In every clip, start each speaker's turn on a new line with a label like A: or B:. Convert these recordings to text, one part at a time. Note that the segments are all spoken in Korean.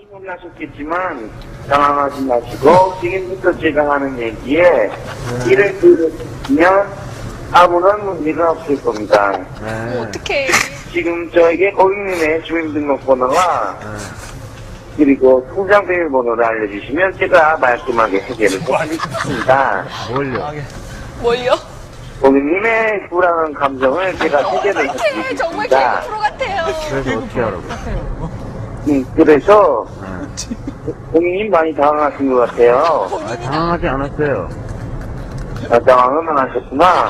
A: 놀라셨겠지만 당황하지 마시고 지금부터 제가 하는 얘기에 이를 들으시면 아무런 문제가 없을 겁니다.
B: 어떡해.
A: 지금 저에게 고객님의 주민등록번호와 그리고 통장 비밀번호를 알려주시면 제가 말끔하게 해결을 해드리겠습니다.
B: 뭘요?
A: 고객님의 불안한 감정을 제가 해결을
B: 어떡해. 정말
A: 해드리겠습니다.
B: 개그 프로 같아요.
C: 그래서 어떻게 하라고?
A: 그래서 고객님 많이 당황하신 것 같아요.
C: 아, 당황하지 않았어요.
A: 당황은 하셨구나.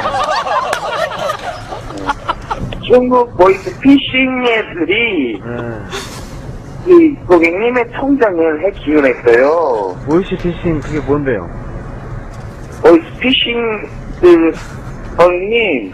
A: 중국 보이스 피싱 애들이 이 고객님의 통장을 해킹을 했어요.
C: 보이스피싱 그게 뭔데요?
A: 보이스 피싱 고객님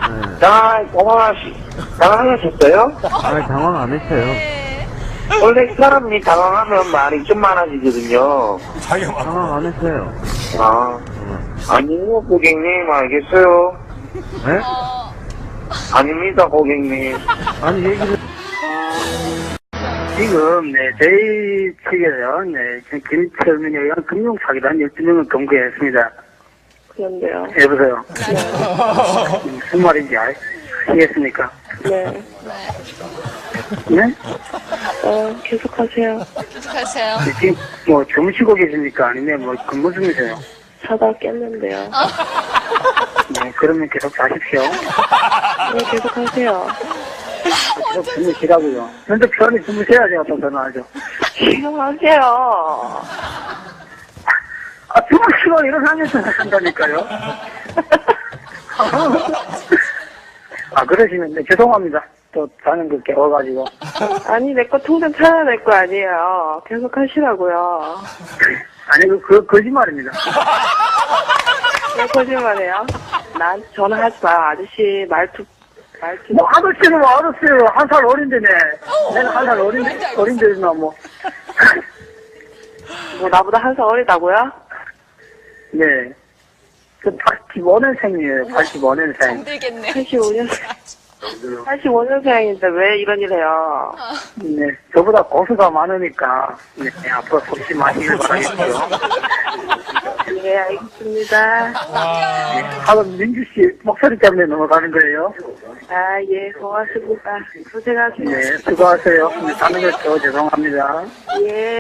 A: 당황하셨어요?
C: 아, 당황 안 했어요.
B: 네.
A: 원래 사람이 당황하면 말이 좀 많아지거든요.
C: 당황 안 했어요.
A: 아니요 고객님 알겠어요.
C: 네?
A: 아닙니다 고객님.
C: 아니, 얘기를.
D: 지금, 저희 측에서, 김철민에 의한 금융사기단 12명을 검거했습니다.
E: 그런데요.
D: 여보세요? 무슨 말인지 아시겠습니까?
E: 네.
D: 네?
E: 계속하세요.
B: 계속하세요.
D: 지금, 주무시고 계십니까? 아니면 근무 중이세요?
E: 자다 깼는데요.
D: 네, 그러면 계속 자십시오.
E: 네, 계속하세요.
D: 계속 주무시라고요. 근데 편히 주무셔야지, 어떤 전화하죠.
E: 계속하세요.
D: 주무시고 일어나면서 하신다니까요. 그러시면, 네, 죄송합니다. 또 자는 거 깨워가지고.
E: 아니, 내 거 통장 찾아야 될 거 아니에요. 계속하시라고요.
D: 아니, 거짓말입니다.
E: 왜 거짓말해요? 나한테 전화하지 마요. 아저씨 말투.
D: 아저씨는 알았어요. 한 살 어린데네. 내가 한 살 어린데나 뭐.
E: 나보다 한 살 어리다고요?
D: 네. 85년생이에요. 85년생.
B: 정들겠네.
E: 85년생인데 왜 이런 일 해요?
D: 네. 저보다 고수가 많으니까, 네, 앞으로 속지 마시길 바라겠고요.
E: 네, 알겠습니다.
D: 네. 하여튼 민주씨 목소리 때문에 넘어가는 거예요.
E: 예, 고맙습니다. 고생하세요.
D: 네, 수고하세요. 자는 거 죄송합니다.
E: 예.